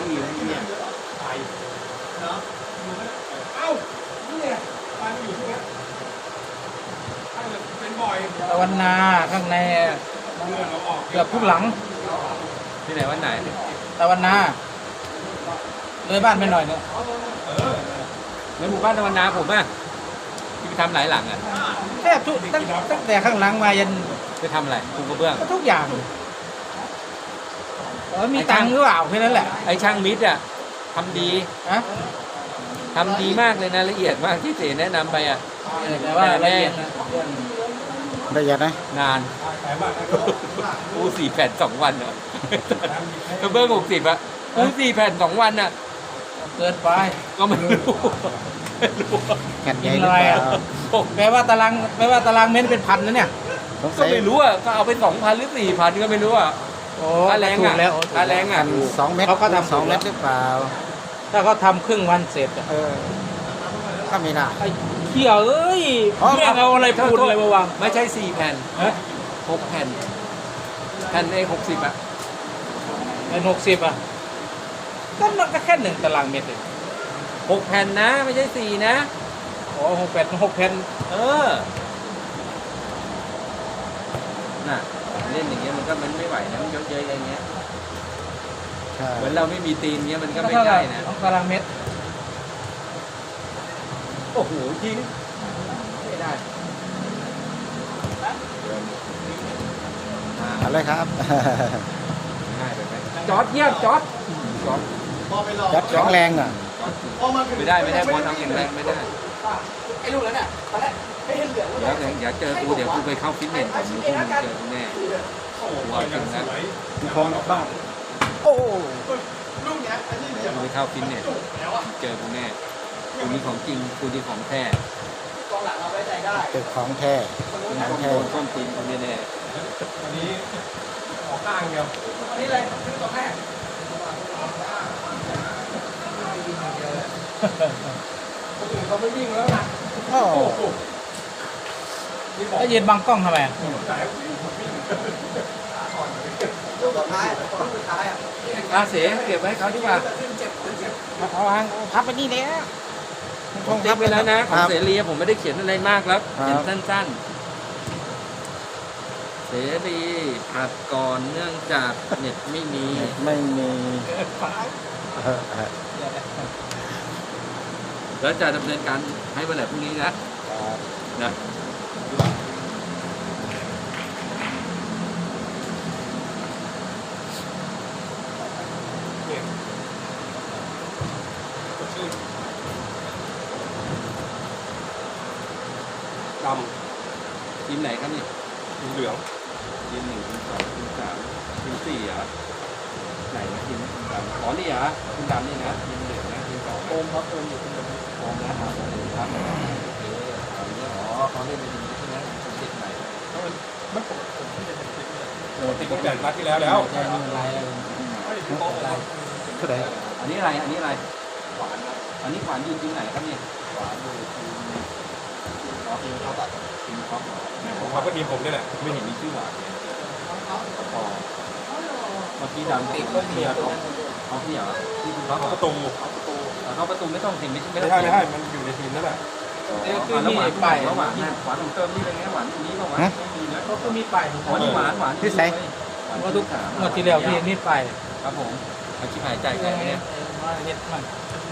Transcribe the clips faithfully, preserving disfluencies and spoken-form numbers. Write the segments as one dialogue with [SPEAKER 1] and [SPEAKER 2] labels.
[SPEAKER 1] ที่เนี่ยไปเนาะเอ้าเนี่ยไปไม่อยู่ที่นี่ถ้าเกิดเป็นบ่อย
[SPEAKER 2] ตะวันนาข้างในเกือบทุกหลัง
[SPEAKER 3] ที่ไหนวันไหน
[SPEAKER 2] ตะวันนาเลยบ้านไปหน่อยนึง
[SPEAKER 3] ในหมู่บ้านตะวันนาผมอ่ะที่ไปทำหลายหลังอ่ะ
[SPEAKER 2] แทบทุกตั้งตั้งแต่ข้างหลังมายัน
[SPEAKER 3] ไปทำอะไรปูกระเบื้อง
[SPEAKER 2] ทุกอย่างเออมีตังค์หรือเปล่าแค่นั้นแหละ
[SPEAKER 3] ไอ้ช่างมิตรอ่ะทำดี
[SPEAKER 2] นะ
[SPEAKER 3] ทำดีมากเลยนะละเอียดมากที่เจแนะนำไปอ่ะ
[SPEAKER 2] แต่ว่าละเอียด
[SPEAKER 4] ละเอียดนะ
[SPEAKER 3] นานปูสี่แผ่นสองวันอ่ะกระเบื้องหกสิบอ่ะปูสี่แผ่นสองวันอ่ะ
[SPEAKER 2] เกินไป
[SPEAKER 3] ก็ไม่รู้
[SPEAKER 4] แผ่นใหญ่หรือเปล่า
[SPEAKER 2] แปลว่าตารางแปลว่าตารางเมตรเป็นพันนะเนี่ย
[SPEAKER 3] ก็ไม่รู้อ่ะก็เอาไปสองพันหรือสี่พันก็ไม่รู้อ่ะ
[SPEAKER 2] โอ้
[SPEAKER 3] ค่าแรงอ่ะค่าแรงอ่ะ
[SPEAKER 4] สองเมตร
[SPEAKER 2] เขาก็ทำ
[SPEAKER 4] สองเมตรหรือเปล่า
[SPEAKER 2] ถ้าเขาทำครึ่งวันเสร็จ
[SPEAKER 4] เออก็ไม่ได้
[SPEAKER 2] ไอ้เขี้ยวเอ้ยเรื่องเอาอะไรพูดอะไรมาวาง
[SPEAKER 3] ไม่ใช่สี่แผ่นหกแผ่นแผ่นเอหกสิบอ่ะ
[SPEAKER 2] เป็นหกสิบอ่ะก็มันก็แค่หนึ่งตารางเมตรเอง
[SPEAKER 3] หกแผ่นนะไม่ใช่สี่นะ
[SPEAKER 2] อ๋อหกแผ่นหกแผ่น
[SPEAKER 3] เออน่ะเล่นอย่างเงี้ยมันก็มันไม่ไหวนะมันเยอะๆอย่างเงี้ยเหมือนเราไม่มีตีนเงี้ยมันก็ไม่ได้นะ
[SPEAKER 2] ตารางเมตร
[SPEAKER 3] โอ้โหทิ้งไม่ได้
[SPEAKER 4] อะไรครับ
[SPEAKER 3] ง่ายไปไหมจอดเยี่ยมจอดจอด
[SPEAKER 4] จอดแข็งแรงอ่ะ
[SPEAKER 3] ไม่ได้ไม่ได้พอทำแข็งแรงไม่ได้
[SPEAKER 2] ไอ้ลูกนั้นอ่ะตอนแรกไม่เห็นเหลือง
[SPEAKER 3] เดี๋ยวเดี๋ยวเจอกูเดี๋ยวกูไปเข้าฟิตเนสก่อนมึงกูเจอกูแน่กูเอาจริงนะ
[SPEAKER 4] มีคลองบ้างโอ้
[SPEAKER 3] กูไปเข้าฟิตเนสเจอกูแน่กูนี่ของจริงกูนี่ของแท้
[SPEAKER 4] เป็นของแท้ของแท้
[SPEAKER 3] ต้นตีนกูแน่
[SPEAKER 1] อันนี้ขอข้างเดียว
[SPEAKER 2] อันนี้อะไรคือตัวแม่คนอื่นเขาไม่วิ่งแล้วนะ
[SPEAKER 4] โอ้
[SPEAKER 2] แล้วยืนบังกล้องทำไม
[SPEAKER 3] อาเสเก็บไว้เขาดีกว่า
[SPEAKER 4] เอาหางพับไปนี่เลย
[SPEAKER 3] ผมเก็บไปแล้วนะของเสรีผมไม่ได้เขียนอะไรมากแล้วเขียนสั้นๆเสรีอัดก่อนเนื่องจากเน็ตไม่มี
[SPEAKER 4] ไม่มี
[SPEAKER 3] แล้วจะดำเนินการให้วันไหนพรุ่งนี้นะนะ
[SPEAKER 1] ดำ
[SPEAKER 3] ทีมไหนครับนี่
[SPEAKER 1] ทีมเหลือง
[SPEAKER 3] ทีมหนึ่งทีมสองทีมสามทีมสี่อ่ะไหนนะทีมทีมดำอ๋อนี่อ่ะทีมดำนี่นะทีมเหลืองนะทีมสอง
[SPEAKER 2] โอมครับโอมอยู่ทีม
[SPEAKER 3] โอมนะครับโอมครับอ๋อเขาเล่นในทีมนี้ใช่ไหมเด็กใหม่
[SPEAKER 1] เขาเป็นไม่ปกติที่จะเป็นทีมโอ้ติดตั้งแต่นัดที่แล้วแล้ว
[SPEAKER 2] ใช่ไม่เป็นไรอะไร
[SPEAKER 4] เท่าไหร่
[SPEAKER 3] อันนี้อะไรอันนี้อะไรหวานอันนี้หวานอยู่ทีมไหนครับเนี่ยหวานอยู่ทีมทีมเขาตัดทีมเขา
[SPEAKER 1] ผมเขาก็ทีมผมนี่แหละ
[SPEAKER 3] ไม่เห็นมีชื่อหวานเลยพอเมื่อกี้ดำติดก็เทียบเขาเทียบที่คุณเขา
[SPEAKER 1] ประตู
[SPEAKER 3] เขาประตูไม่ต้องเห็นไม่
[SPEAKER 1] ไม่ได้ไม่ได้มันอยู่ในทีมนั่นแหละ
[SPEAKER 3] แล้วหวานไปแล้วหวานหวานของเติมนี่เป็นไงหวานตรงนี้ป่าววะไม่มีนะ
[SPEAKER 2] ก็มีไป
[SPEAKER 3] อ๋อนี่หวานหวาน
[SPEAKER 4] ที่ไหน
[SPEAKER 2] เมื่อทุกเมื่อที่แล้วพี่นี่ไป
[SPEAKER 3] ครับผมอาชีพหายใจใครเนี่ย
[SPEAKER 2] เฮ็ดมัน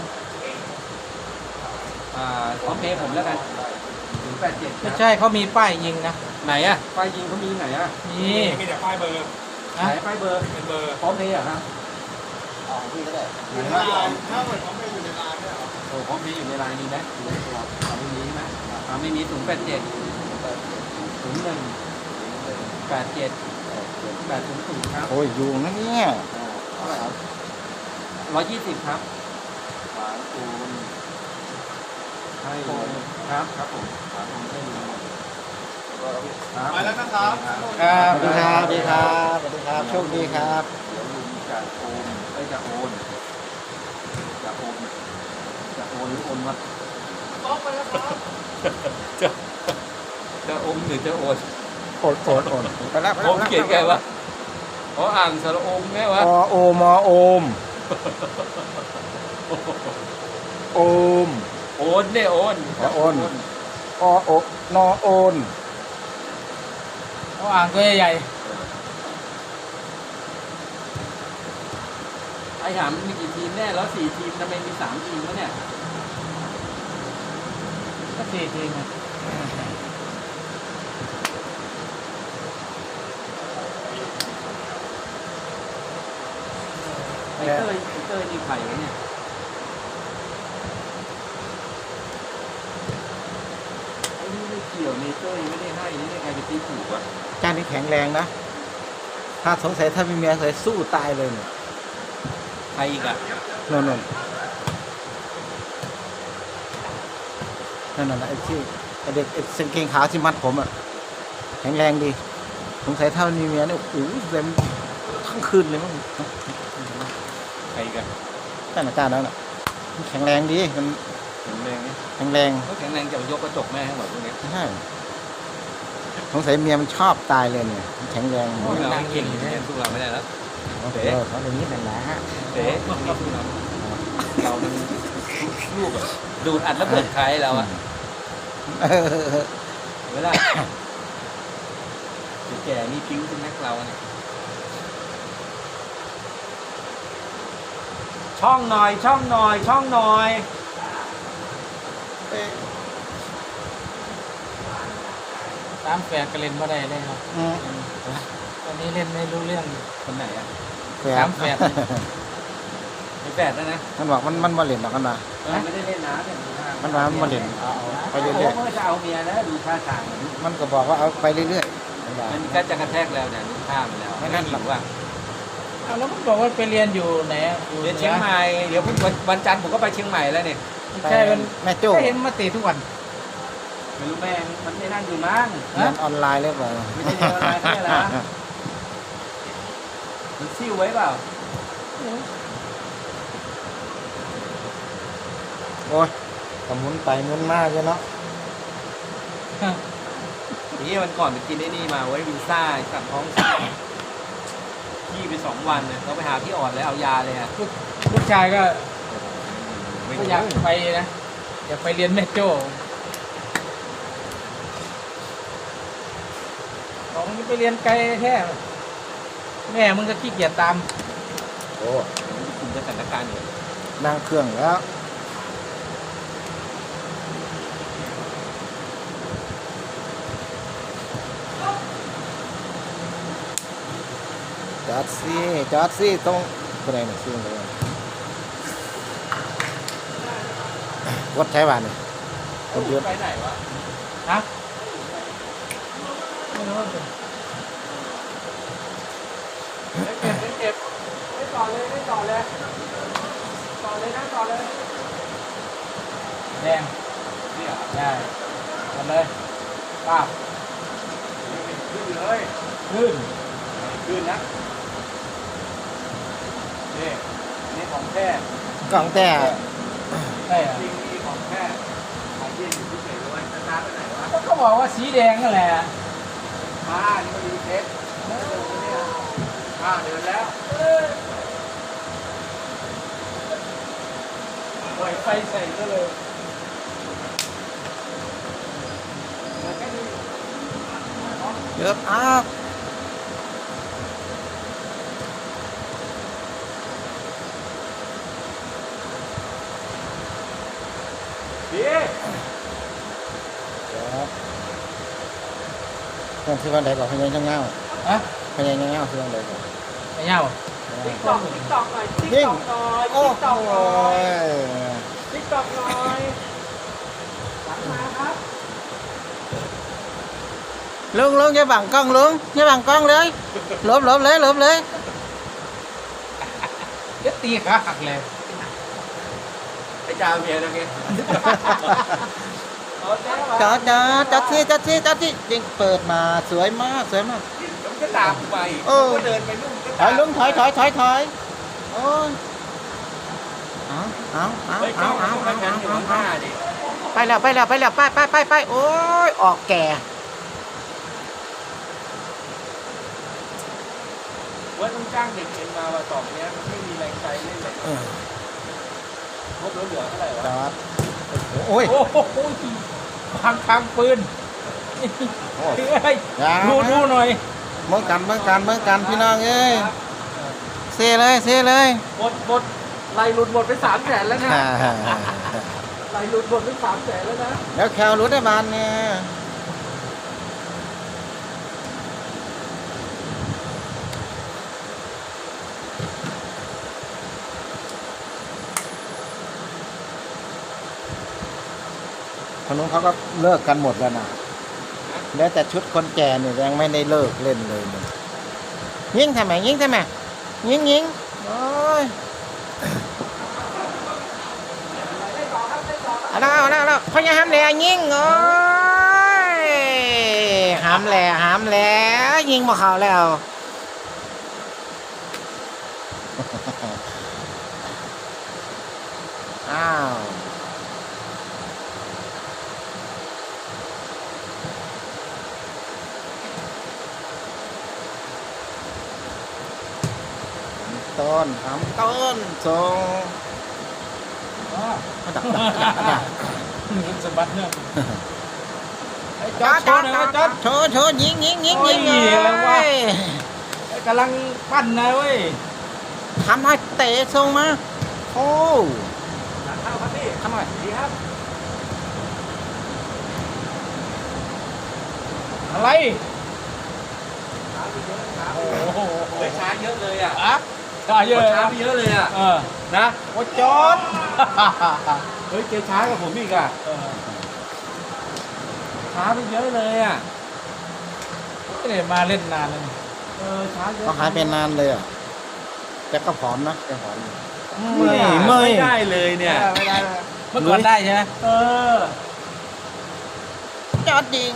[SPEAKER 3] อ่าพร้อมเพย์ผมแล้วกันถึงแปดเจ็ด
[SPEAKER 2] ไม่ใช่เขามีป้ายยิงนะ
[SPEAKER 3] ไหนอ่ะป้ายยิงเขามีไหนอ่ะ
[SPEAKER 2] มี
[SPEAKER 1] มีแต่ป้ายเบอร์
[SPEAKER 3] ไหนป้ายเบอร์
[SPEAKER 1] เป็นเบอร์
[SPEAKER 3] พร้อมเพย์อ่ะครับ
[SPEAKER 4] อ๋อพี่ก็ได้
[SPEAKER 1] ถ้าเหมือนพร้อมเพย์อยู่ในไลน์เนี่ย
[SPEAKER 3] โอ้พร้อมเพย์อยู่ในไลน์มีไหมอยู่ในตัวเขาไม่มีไหมเขาไม่มีศูนย์แปดเจ็ดศูนย์หนึ่งแปดเจ็ดแปดศูนย์ศูนย์ครับ
[SPEAKER 4] โอ้ยอยู่นะเนี่ย
[SPEAKER 3] เท่าไหร่ครับร้อยยี่สิบครับหวานคูณให้ครับครับผมหวานคูณให้ดู
[SPEAKER 1] ไปแล้วนะครับ
[SPEAKER 4] ครับสวัสดีครับสวัสดีครับสวัสดีครับโชคดีครับ
[SPEAKER 3] เดี๋ยวลุงจะโอนไปจะโอนจะโอนจะโอนหรือโอนวะ
[SPEAKER 1] ต้องไปแล้วครับ
[SPEAKER 3] จะจะโอนหรือจะโอน
[SPEAKER 4] โอนโอนโอนไปแล้ว
[SPEAKER 3] ผมเขียนไงวะอ๋ออ่างสระโอมไงวะ
[SPEAKER 4] อโอมอโอมโอม
[SPEAKER 3] โอนเนี่ยโอน
[SPEAKER 4] อ๋อโอน อโอนอโอน
[SPEAKER 2] เอาอ่างตัวใหญ่
[SPEAKER 3] ไอ้ถามมีกี่ทีมแน่แล้วสี่ทีมทำไมมีสามทีมวะเนี่ย
[SPEAKER 2] ๆก็สี่ทีมอะ
[SPEAKER 3] ไอ้เต้ยไอ้เต้ยนี่ใครวะเนี่ยไอ้นี่ไม่เกี่ยวเนเต้ยไม่ได้ให้นี่ใครไปตีถูกวะ
[SPEAKER 4] จานนี้แข็งแรงนะ ถ้าสงสัยถ้ามีเมียใส่สู้ตายเลยเนี่ย
[SPEAKER 3] ใครอีกอ่ะ
[SPEAKER 4] นนนนนั่นน่ะไอ้ที่ไอ้เด็กไอ้เส้นเกงขาวที่มัดผมอ่ะแข็งแรงดีสงสัยถ้ามีเมียเนี่ยโอ้โหเต็มทั้งคืนเลยมั้ง
[SPEAKER 3] ใครอีกอ่ะ
[SPEAKER 4] ท่านอาจารย์แล้วน่ะมันแข็งแรงดีมัน
[SPEAKER 3] แข็งแรงไหม
[SPEAKER 4] แข็งแรง
[SPEAKER 3] เขาแข็งแรงจะยกกระจกแม่ให้หมดพวกนี้
[SPEAKER 4] ใช่สงสัยเมียมันชอบตายเลยเนี่ยมันแข็งแรง
[SPEAKER 3] พวกเราไม่เก่งอยู่เนี่ยสู้เราไม่ได้แล้ว
[SPEAKER 4] เออเขาอย่างนี้นั่นแหละฮะ
[SPEAKER 3] เต๋พวกนี้สู้เราเรามันลูกอะดูดอัดแล้วเบิดใครเราอะ
[SPEAKER 4] เออ
[SPEAKER 3] เวลาแก่นี่ปิ้งเป็นนักเราเนี่ย ช่องหน่อยช่องหน่อยช่องหน่อย
[SPEAKER 2] สามแปดก็เล่นไม่ได้เลยครับ
[SPEAKER 4] อืม
[SPEAKER 2] ตอนนี้เล่นไม่รู้เรื่อง
[SPEAKER 3] คนไหนอะ
[SPEAKER 4] แฝ
[SPEAKER 2] สา
[SPEAKER 4] ด
[SPEAKER 2] มแปด
[SPEAKER 3] ไม่แปดแล้วนะ
[SPEAKER 4] มันบอกมันมันมาเล่นหรอกกันมา
[SPEAKER 3] มันไม่ได้เล่นน้ำเนี่ย
[SPEAKER 4] มันว่ามันมาเล่นเอาเอาไป
[SPEAKER 3] โอ้
[SPEAKER 4] เรื่อย
[SPEAKER 3] โหมันก็จะเอาเมียแล้วดูท่าทางมัน
[SPEAKER 4] ๆมันก็บอกว่าเอาไปเรื่อยๆมันว่า
[SPEAKER 3] มันก็จะกระแทกแล้วเนี่ยดูท่ามันแล้ว
[SPEAKER 4] ไม่นั่นหรอก
[SPEAKER 3] ว่า
[SPEAKER 2] เอาแล้วมันบอกว่าไปเรียนอยู่ไหนอะอยู่
[SPEAKER 3] เรียนเชียงใหม่เดี๋ยวพรุ่งวันวันจันทร์ผมก็ไปเชียงใหม่แล้วเนี่ย
[SPEAKER 2] ไม่ใช่มัน
[SPEAKER 4] แม่โจ้
[SPEAKER 2] ก็เห็นมาเตะทุกวัน
[SPEAKER 3] ไม่รู้แม่งมันไม่นั่นอยู่มั้ง
[SPEAKER 4] เรียนออนไลน์หรือเปล่า
[SPEAKER 3] ไม่ใช่เรียนออนไลน์ใช่เหรอ มันซิ่วไว้เปล่า
[SPEAKER 4] โอ้ยก็หมุนไปหมุนมาเลยเนาะ
[SPEAKER 3] นี่วันก่อนไปกินไอ้นี่มาไว้วินซ่าสั่งท้องพี่ไปสองวันเนี่ยเราไปหาพี่อ่อนเลยเอายาเลยอะ
[SPEAKER 2] ลูกลูกชายก็
[SPEAKER 3] ไม่
[SPEAKER 2] ก็
[SPEAKER 3] รู้
[SPEAKER 2] อยากไปนะอยากไปเรียนแม่โจ้บอกมึงไปเรียนไกลแท้แม่มึงก็ขี้เกียจตาม
[SPEAKER 4] โอ้
[SPEAKER 3] คุมสถานการณ์อยู่
[SPEAKER 4] นั่งเครื่องแล้วจอดสิจอดสิตรงตัวไหนเนี่ยซิ่งเลยวัดใช้บ้านเนี่ยคนเดียว
[SPEAKER 3] ไปไหนวะ
[SPEAKER 2] ฮะไม่รู้ว่าเป็น
[SPEAKER 3] เก็บเก็บไม่ต่อเลยไม่ต่อเลยต่อเลยนะต่อเลย
[SPEAKER 2] แดง
[SPEAKER 3] นี่เหรอ
[SPEAKER 2] ได้หมดเลยป้าบ
[SPEAKER 3] ขึ้นเลย
[SPEAKER 2] ขึ้น
[SPEAKER 3] ขึ้นนะนี่นี่ของแท้
[SPEAKER 4] กล่องแต่
[SPEAKER 2] ใช่เหรอ
[SPEAKER 3] จริงนี่ของแท้ขายเย็นอยู่ที่เฉยเลยสตาร์ทไปไหนวะ
[SPEAKER 2] ก็เขาบอกว่าสีแดงนั่นแหละ
[SPEAKER 3] มานี่มาดูเทปอ่าเดินแล้ว
[SPEAKER 2] ปล่อยไฟใส่ก็เลย
[SPEAKER 4] เยอะอ้าว
[SPEAKER 3] ดี
[SPEAKER 4] เดี๋ยวเครื่องซื้อวันไหนก่อนพยายามเงา
[SPEAKER 2] อะ
[SPEAKER 4] พยายามเงาซื้อวันไหนก่อน
[SPEAKER 2] ไอ้เหี้ย
[SPEAKER 3] ติ๊กตอกติ๊กตอกหน่อยติ๊ก
[SPEAKER 4] ยิ่ง
[SPEAKER 3] ตอกหน่อย
[SPEAKER 4] โอ้
[SPEAKER 3] ติ๊ก
[SPEAKER 4] โห
[SPEAKER 3] ตอกหน่อยติ๊กตอกหน่อยหลังมาครับ
[SPEAKER 4] ลุงลุงอย่าบังกล้องลุงอย่าบังกล้องเลยหลบหลบเลยหลบเลย
[SPEAKER 2] เดี๋ยวตีขาหักเลย
[SPEAKER 3] ไปจ้าเมียนะแกเอาแจ้ง
[SPEAKER 4] จอดจอดจอดที่จอดที่จอดที่ยิงเปิดมาสวยมากสวยมาก
[SPEAKER 3] มันก็ตามกูไป
[SPEAKER 4] เออ
[SPEAKER 3] ก็เดินไปนู่นก็
[SPEAKER 4] ถอยลุงถอยถอยถอยถอยโอ้ยเอาเอาเอา
[SPEAKER 3] เฮ้ย
[SPEAKER 4] เอา
[SPEAKER 3] เอา
[SPEAKER 4] เอา
[SPEAKER 3] เอา
[SPEAKER 4] เอา
[SPEAKER 3] เอา
[SPEAKER 4] เอา
[SPEAKER 3] เอา
[SPEAKER 4] เอา
[SPEAKER 3] เอาดิ
[SPEAKER 4] ไปแล้วไปแล้วไปแล้วไปไปไปไปโอ้ยออกแก่
[SPEAKER 3] ว่าต้องจ้างเด็กเอ็นมาว่าสองเนี้ยมันไม่มีแรงใจเล่นเลย
[SPEAKER 4] เออ
[SPEAKER 3] งบเหลือๆเท่าไหร่วะ
[SPEAKER 4] จอดโอ้ย
[SPEAKER 2] โอ้โหทางทางปืน
[SPEAKER 4] โอ้
[SPEAKER 2] เฮ้ย
[SPEAKER 4] อย่า
[SPEAKER 2] ดูดูหน่อย
[SPEAKER 4] เมื่อกันเมื่อกันเมื่อกันพี่น้องเอ้ยเซเลยเซเลย
[SPEAKER 3] หมดหมดไล่หลุดหมดไปสามแสนแล้วนะ
[SPEAKER 4] ฮ่าฮ่าฮ่า
[SPEAKER 3] ไล่หลุดหมดไปสามแสนแล้วนะ
[SPEAKER 4] แล้วแคลรู้ได้บานเนี่ยคนนู้นเขาก็เลิกกันหมดแล้วนะแล้วแต่ชุดคนแก่เนี่ยยังไม่ได้เลิกเล่นเลยเนี่ยยิงทำไมยิงทำไมยิงยิงโอ้ยเอาแล้วเอาแล้วเอาแล้วเขาจะห้ามแหล่ยิงโอ้ยห้ามแหล่ห้ามแหล่ยิงมาเขาแล้ว อ้าวต้นทำต้นทรง
[SPEAKER 2] อ๋อ
[SPEAKER 4] ดักดักดักดัก
[SPEAKER 2] มันสะบัดเนี่ยไอ้จ
[SPEAKER 4] จ
[SPEAKER 2] อ
[SPEAKER 4] อ
[SPEAKER 2] ด
[SPEAKER 4] ด
[SPEAKER 2] โชว์หน่อยจอด
[SPEAKER 4] โชว์โชว์ยิงยิงยิงยิง
[SPEAKER 2] โอ้ยอะไรวะ
[SPEAKER 4] เอ้ย
[SPEAKER 2] ไอ้กำลังปั้นนะเว้ย
[SPEAKER 4] ทำให้เตะทรงมาโอ้
[SPEAKER 3] หลังเข้าครับพี่
[SPEAKER 4] ทำหน่อย
[SPEAKER 3] ดีครับ
[SPEAKER 2] อะไร
[SPEAKER 3] ช้าไปเยอะช้า
[SPEAKER 2] โอ้โห
[SPEAKER 3] เฮ้ยช้าเยอะเลยอ่ะ
[SPEAKER 2] อ่ะช้าเยอะ
[SPEAKER 3] ช้าไปเยอะเลยอ่ะ
[SPEAKER 2] เออ
[SPEAKER 3] นะ
[SPEAKER 2] โอ้จอด
[SPEAKER 3] เฮ้ยเกช้ากับผมอีกอ่ะ
[SPEAKER 2] เออ
[SPEAKER 3] ช้าไปเยอะเลยอ่ะ
[SPEAKER 2] ไม่ได้มาเล่นนานแล้วนี่
[SPEAKER 3] เออช้าเยอะ
[SPEAKER 4] ก็หายไปนานเลยอ่ะแต่ก็ผอมนะแกผอมอยู่
[SPEAKER 3] ไม่
[SPEAKER 4] ไม่
[SPEAKER 3] ไม่ได้เลยเนี่ย
[SPEAKER 2] ไม่ได้ไม่ได้เมื่อก่อนได้ใช่ไหม
[SPEAKER 3] เออ
[SPEAKER 4] จอดยิง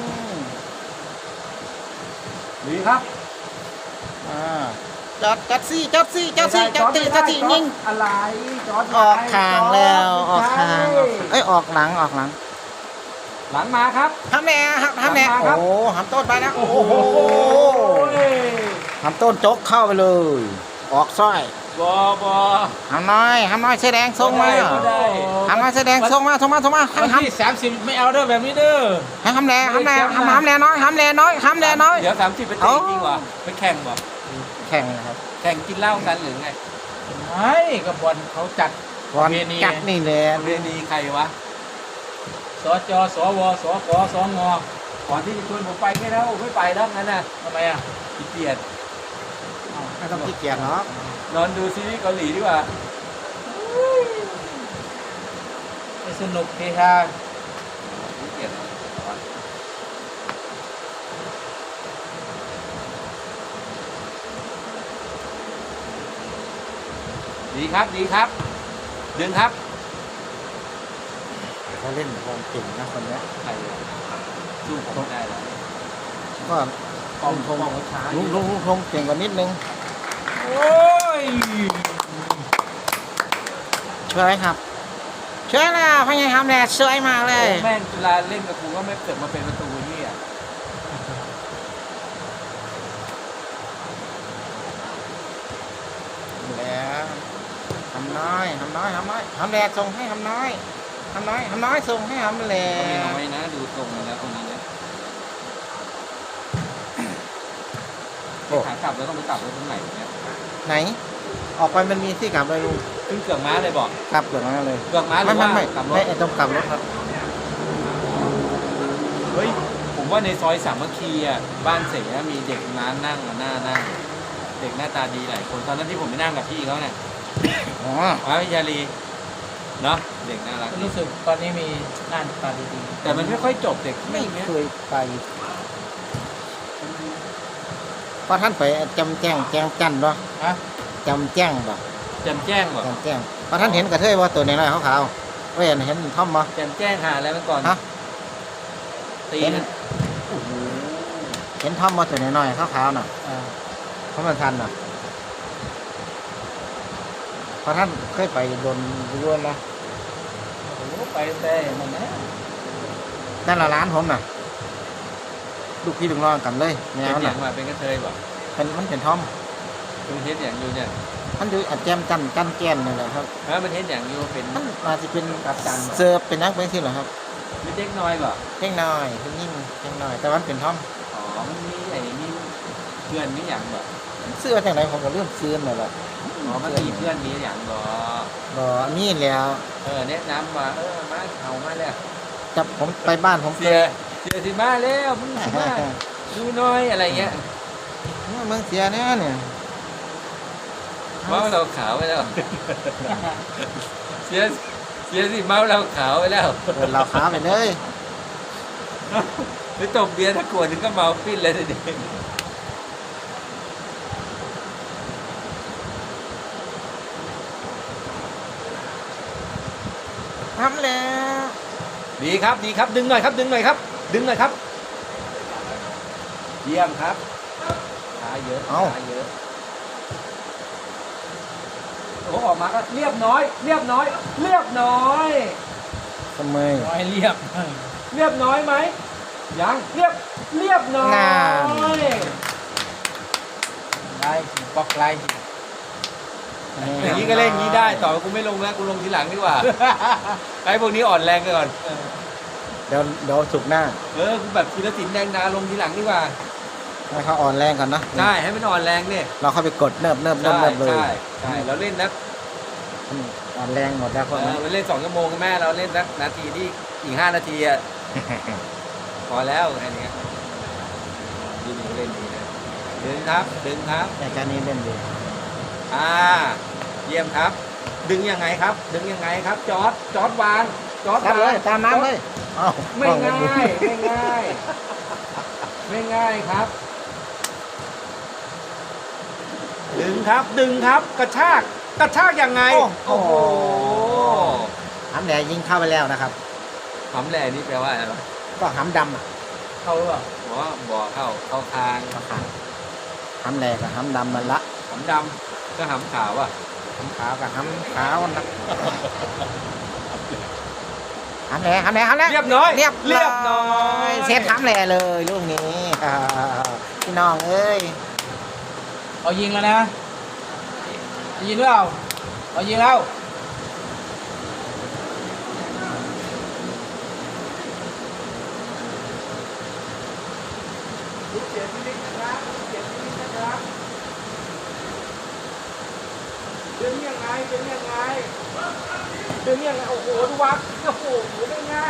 [SPEAKER 3] ดีครับ
[SPEAKER 4] อ่าจอดจอดซี่จอดซี่จอดซี่จอดซี่จอดซี่ยิง
[SPEAKER 3] อะไรจอด
[SPEAKER 4] ออกทางแล้วออกทางออกเอ้ยออกหลังออกหลัง
[SPEAKER 3] หลังมาครับ
[SPEAKER 4] ทำแหน่ครับทำแหน่
[SPEAKER 3] มาครับ
[SPEAKER 4] โอ้หำต้นไปแล้ว
[SPEAKER 3] โอ้
[SPEAKER 4] โอ้
[SPEAKER 3] โห
[SPEAKER 4] โหหำต้นจกเข้าไปเลย ออกสร้อย
[SPEAKER 3] บอบอ
[SPEAKER 4] หำน้อยหำน้อยเสื้อแดงส่งมา
[SPEAKER 3] ก็ได้
[SPEAKER 4] หำน้อยเสื้อแดงส่งมาส่งมาส่งมา
[SPEAKER 2] วัน
[SPEAKER 4] หำ
[SPEAKER 2] ที่สามสิบไม่เอาเด้อแบบนี้เด้อ
[SPEAKER 4] ให้หำแหน่หำแหน่หำหำแหน่น้อยหำแหน่น้อยหำแหน่น้อย
[SPEAKER 3] เดี๋ยวสามสิบไปเตะจริงวะไปแข่งวะ
[SPEAKER 4] แข่งนะครับ
[SPEAKER 3] แข่งกินเหล้ากันหรือไง
[SPEAKER 2] ไม่กับบอลเขาจัด
[SPEAKER 4] บอล
[SPEAKER 2] ประเพณี
[SPEAKER 4] จัดนี่แหละ
[SPEAKER 3] เรียนีใครวะ
[SPEAKER 2] สจสวสกสง
[SPEAKER 3] ก่อนที่จะชวนผมไปแค่แล้วไม่ไปแล้วงั้นน่ะ
[SPEAKER 2] ทำไมอ่ะ
[SPEAKER 3] ขี้เกียจ
[SPEAKER 4] ไม่ต้องขี้เกียจเนาะ
[SPEAKER 3] นอนดูซีรีส์เกาหลีดีกว่า
[SPEAKER 2] ไม่สนุกเฮฮา
[SPEAKER 3] ขี้เกียจดีครับดีครับดึงครับ
[SPEAKER 4] เขาเล่นบอลเก่งนะคนเนี้ย
[SPEAKER 3] ใครวะสู้ผมไม่ได้แล้ว
[SPEAKER 4] ก็
[SPEAKER 3] ป้องป้องเขาช้า
[SPEAKER 4] ลุงลุงลุงพงเก่งกว่านิดนึง
[SPEAKER 2] โอ้ย
[SPEAKER 4] ช่วยไหมครับช่วยแล้วพยายามแหน่สวยมากเลย
[SPEAKER 3] แม่งเวลาเล่นกับกูก็ไม่เกิดมาเป็นประตูนี่อ่ะ
[SPEAKER 4] แล้วทำน้อยทำน้อยทำน้อยทำแหล่ส่งให้ทำน้อยทำน้อยทำน้อยส่งให้ทำแหล่
[SPEAKER 3] ก็ไม่น้อยนะดูตรงแล้วตรงนี้เนี่ยขากลับแล้วต้องไปกลับรถตรงไหนเนี่ย
[SPEAKER 4] ไหน ออกไปมันมีที่กลับเลยลุง
[SPEAKER 3] ขึ้นเกือกม้าเลยบอก
[SPEAKER 4] กลับเกือบมาเลย
[SPEAKER 3] เกือกม้าหรื
[SPEAKER 4] ไม่
[SPEAKER 3] อ
[SPEAKER 4] ไม่
[SPEAKER 3] ว่า
[SPEAKER 4] ไม่
[SPEAKER 3] กลับร
[SPEAKER 4] ไม่
[SPEAKER 3] ถ
[SPEAKER 4] ไอ้ต้องกลับรถครับ
[SPEAKER 3] เฮ้ยผมว่าในซอยสามัคคีอ่ะบ้านเสงมีเด็กน้านั่งอ่ะหน้านั่งเด็กหน้าตาดีหลายคนตอนนั้นที่ผมไปนั่งกับพี่เขาเนี่ย
[SPEAKER 4] อ๋อ
[SPEAKER 3] อ๋อยาลีเนาะเด็กน่ารักดี
[SPEAKER 2] รู้สึกตอนนี้มีงานตาดี
[SPEAKER 3] แต่มันไม่ค่อยจบเด็ก
[SPEAKER 4] ไม่
[SPEAKER 3] เนี้ย
[SPEAKER 4] เคยไปเพราะท่านไปจำแจ้งแจ้งจันเนาะ
[SPEAKER 2] ๆฮะ
[SPEAKER 4] จำแจ้งบ่
[SPEAKER 3] แจมแจ้งเหรอ
[SPEAKER 4] จำแจ้งเพราะท่านเห็นกระเทยว่าตัวน้อยๆขาวๆเว้ยเห็นท่อมบ่
[SPEAKER 3] แจมแจ้งหาอะไรมาก่อน
[SPEAKER 4] ฮะ
[SPEAKER 3] ตี
[SPEAKER 4] เห็น
[SPEAKER 3] นะโอ้โห
[SPEAKER 4] เห็นท่อมว่าตัวน้อยๆขาวๆน่ะ
[SPEAKER 2] อ่า
[SPEAKER 4] เพราะมันทันน่ะเพราะท่านเคยไปโดนย้วนนะ
[SPEAKER 2] โอ้โหไปแต่นั่นนะ
[SPEAKER 4] นั่นละร้านผมน่ะ ลูกพี่ลูกน้องกันเลยแม
[SPEAKER 3] เป็น
[SPEAKER 4] ว
[SPEAKER 3] อ
[SPEAKER 4] น่ะ
[SPEAKER 3] ย่างมาเป็นกระเทยบอก
[SPEAKER 4] เป็นมันเป็นท่อม
[SPEAKER 3] มันเห็นอย่างอยู่เนี่ย
[SPEAKER 4] มันดูอาจแจมกันกันแก้มนี่แหละครับ
[SPEAKER 3] เออมันเห็นอย่างอยู่เป็น
[SPEAKER 4] มันอาจจะเป็น
[SPEAKER 3] กับจัน
[SPEAKER 4] เสิร์ฟเป็นนักเป็นที่เหรอครับ
[SPEAKER 3] เป็นเด็กน้อยบ่
[SPEAKER 4] เพ่งน้อยเพ่งยิ่งเพ่งน้อย แต่วันเป็นท่อม
[SPEAKER 3] อ๋อมันมีไอ้มีเพื่อนมีอย่างบ่
[SPEAKER 4] เสื้อจากไหนผมก็เริ่มซื้อมาแล้ว
[SPEAKER 3] อ๋อมันมีเพื่อนมีอย่างบ่
[SPEAKER 4] บ่มีแล้ว
[SPEAKER 3] เออแนะนำว่าเออมาเอามาแล้ว
[SPEAKER 4] จับผมไปบ้านผม
[SPEAKER 3] เสียเสียสิมาแล้วมึงสิมาดูหน้อยอะไรเงี้ย
[SPEAKER 4] เมืองเสียแน่เนี่ย
[SPEAKER 3] เมาเราขาวไปแล้ว เสียเสียสิเมาเราขาวไปแล้ว
[SPEAKER 4] เปิดเราขาไปเลย
[SPEAKER 3] ไปตบเบียร์ถ้ากวดถึงก็เมาปิ้นเลยทีเดียว
[SPEAKER 4] ทำแล้ว
[SPEAKER 3] ดีครับดีครับดึงหน่อยครับดึงหน่อยครับ ดึงหน่อยครับ เยี่ยมครับขาเยอะขาเยอะโอ้ออกมาก็เรียบน้อย เรียบน้อย เรียบน้อย
[SPEAKER 4] ทำไม
[SPEAKER 2] น้อยเรียบ
[SPEAKER 3] เรียบน้อยไหมยังเรียบเรียบน้อย
[SPEAKER 2] ไล่บล็อกไล่
[SPEAKER 3] อย่างนี้ก็เล่นอย่างนี้ได้ต่อไปกูไม่ลงแล้วกูลงทีหลังดีกว่า ไอ้พวกนี้อ่อนแรงก่อน
[SPEAKER 4] เดี๋ยวเดี๋ยวสุกร์หน้า
[SPEAKER 3] เออกูแบบธีรศิลป์แดงดาลงทีหลังดีกว่า
[SPEAKER 4] ให้เขาอ่อนแรงก่อนนะ
[SPEAKER 3] ใช่ให้มันอ่อนแรงเนี่ย
[SPEAKER 4] เราเข้าไปกดเนิบเนิบเนิบ
[SPEAKER 3] ใช่
[SPEAKER 4] เนิบเลย
[SPEAKER 3] ใช่ใช่เราเล่นนัก
[SPEAKER 4] อืมอ่อนแรงหมดแล้วพวก
[SPEAKER 3] เอ
[SPEAKER 4] นั้
[SPEAKER 3] อน เราเล่นสองชั่วโมงกับแม่เราเล่นนักนาทีที่อีกห้านาทีอ่ะ พอแล้วแค่นี้ดีดีเล่นดีนะดึงครับดึงครับ
[SPEAKER 4] แต่การนี้เล่นดี
[SPEAKER 3] อ่าเยี่ยมครับ ดึงยังไงครับ ดึงยังไงครับ จอร์ดจอร์ดวางจอร์ด
[SPEAKER 4] ตามเล
[SPEAKER 3] วาง
[SPEAKER 4] ยตามน้ำเลยเอ้า
[SPEAKER 3] ไม่ง่ายไม่ง่าย ไม่ง่ายครับ ดึงครับดึงครับกระชากกระชากยังไงโอ้โห
[SPEAKER 4] หำแหลยิงเข้าไปแล้วนะครับ
[SPEAKER 3] หำแหล่นี่แปลว่าอะไร
[SPEAKER 4] ก็หำดำอ่ะ
[SPEAKER 2] เข้าหรือเปล่า
[SPEAKER 3] บอกว่าบ่อเข้าเข้าทาง
[SPEAKER 4] ก็ขาหำแหลกับหำดำมันละ
[SPEAKER 3] หำดำก็หำขาวอ่ะ
[SPEAKER 4] หำขาวกับหำขาวนะหำแหลหำแหลหำแหล
[SPEAKER 3] เรียบน้อย
[SPEAKER 4] เรียบ
[SPEAKER 3] เรียบน้อย
[SPEAKER 4] เซฟหำแหลเลยลูกนี้อ่าพี่น้องเอ้ย
[SPEAKER 2] เอายิงแล้วนะเอายิงหรือเปล่าเอายิงแล้ว
[SPEAKER 3] ลูกเสียชีวิตนะครับลูกเสียชีวิตนะครับดึงยังไงดึงยังไงดึงยังไงโอ้โหดูวักโอ้โหไม่ง่าย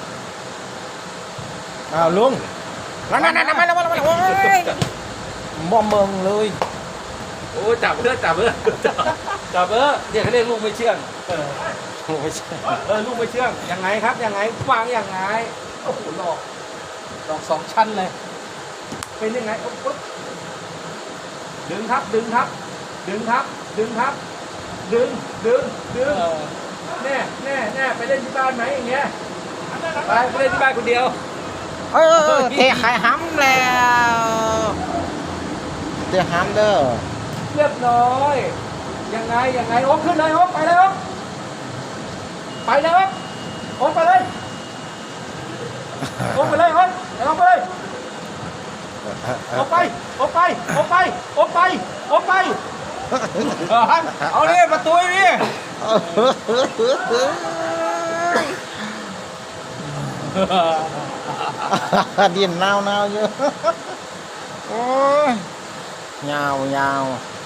[SPEAKER 4] อ้าวลุงแล้วนั่นนั่นนั่นมาแล้วมาแล้วมาแล้วโอ้ยมอมเมืองเลย
[SPEAKER 3] โอ้จับเพื่อจับเพื่อจับเพื่อเดี๋ยวเขาเรียกลูกไม่เชื่องเออ
[SPEAKER 4] ไม่ใช่
[SPEAKER 3] เออลูกไม่เชื่องยังไงครับยังไงวางยังไงโอ้โหหลอก
[SPEAKER 2] ดอกสองชั้นเลย
[SPEAKER 3] เป็นยังไงโอ้โหดึงครับดึงครับ ดึงครับ ดึงครับ ดึงดึงดึง
[SPEAKER 2] เออ
[SPEAKER 3] แน่แน่แน่ไปเล่นที่บ้านไหมอย่างเงี้ยไปไปเล่นที่บ้านคนเดียว
[SPEAKER 4] เออเตะไข่ห้ำแล้วเตะห้ำเด้อ
[SPEAKER 3] เรียบร้อยยังไงยังไงโอ๊คขึ้นเลยโอ๊คไปเลยโอ๊คไปเลยโอ๊คโอ๊คไปเลยโอ๊คไปเลยโอ๊คโอ๊คไปเลยโอ๊คไปโอ๊คไปโอ๊คไปโอ๊คไปโอ๊คไป
[SPEAKER 2] เอาดิประตูนี่
[SPEAKER 4] ดินเน่าเน่าๆอยู่โอ้ยยาวยาว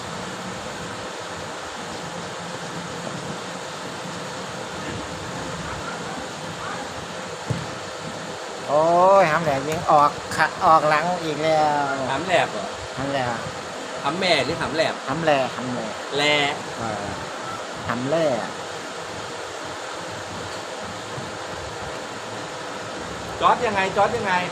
[SPEAKER 4] โอ้ยห้ำแหลกยิงออกขะออกหลังอีกแล้ว
[SPEAKER 3] หำแหลบเหรอ
[SPEAKER 4] ห้ำแหลก
[SPEAKER 3] หำแม่หรือหำแหลบ
[SPEAKER 4] ห้ำแหลกห้ำแหลก
[SPEAKER 3] แล
[SPEAKER 4] เออห้ำแหลก
[SPEAKER 3] จอดยังไงจอดยังไง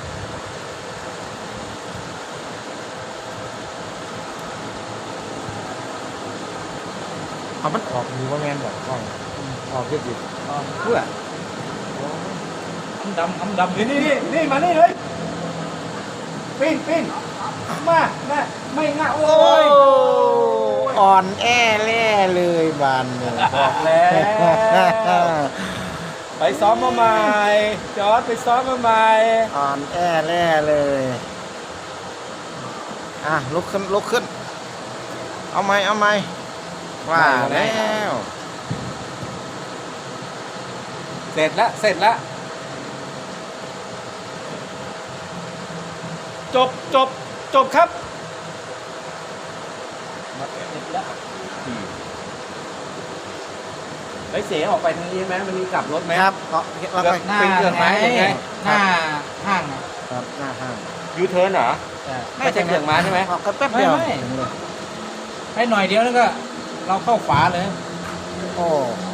[SPEAKER 4] เอามันออกอยู่ว่าแมนบอกกล้องออกเยอะดิ
[SPEAKER 2] อ๋อเพื่อคำดำคำดำ
[SPEAKER 3] นี่นี่นี่นี่มานี่เลยปิ้นปิ้นมาแม่ไม่ง่ายโอ้
[SPEAKER 4] โอ้
[SPEAKER 3] ย
[SPEAKER 4] ยอ่อนแอแล่เลยบานเนี่ย
[SPEAKER 3] บอกแล้ว ไปซ้อมมาใหม่จอร์ดไปซ้อมมาใหม่
[SPEAKER 4] อ่อนแอแล่เลย อ่ะลุกขึ้นลุกขึ้นเอาไหมเอาไหมว่าแล้ว
[SPEAKER 3] เสร็จแล้วเสร็จแล้วจบจบจบครับไอ้ยเสียออกไปทางนี้ไหมมันมีกลับรถไหม
[SPEAKER 4] ครับก็แล้วก็
[SPEAKER 2] หน้า
[SPEAKER 3] เป็นเครื่องไม้ยังไง
[SPEAKER 2] หน้าห้างอะ
[SPEAKER 4] ครับหน้าห้าง
[SPEAKER 3] ยูเทิร์นเหรอ
[SPEAKER 2] ใช่
[SPEAKER 3] ไม่ใช่เครื่องไม้ใช่ไหม
[SPEAKER 4] ออกกันแป๊บเดียว
[SPEAKER 2] ไม่ไม่
[SPEAKER 4] ถึงเลย
[SPEAKER 2] ให้หน่อยเดียวแล้วก็เราเข้าฝาเลย
[SPEAKER 4] โอ้โห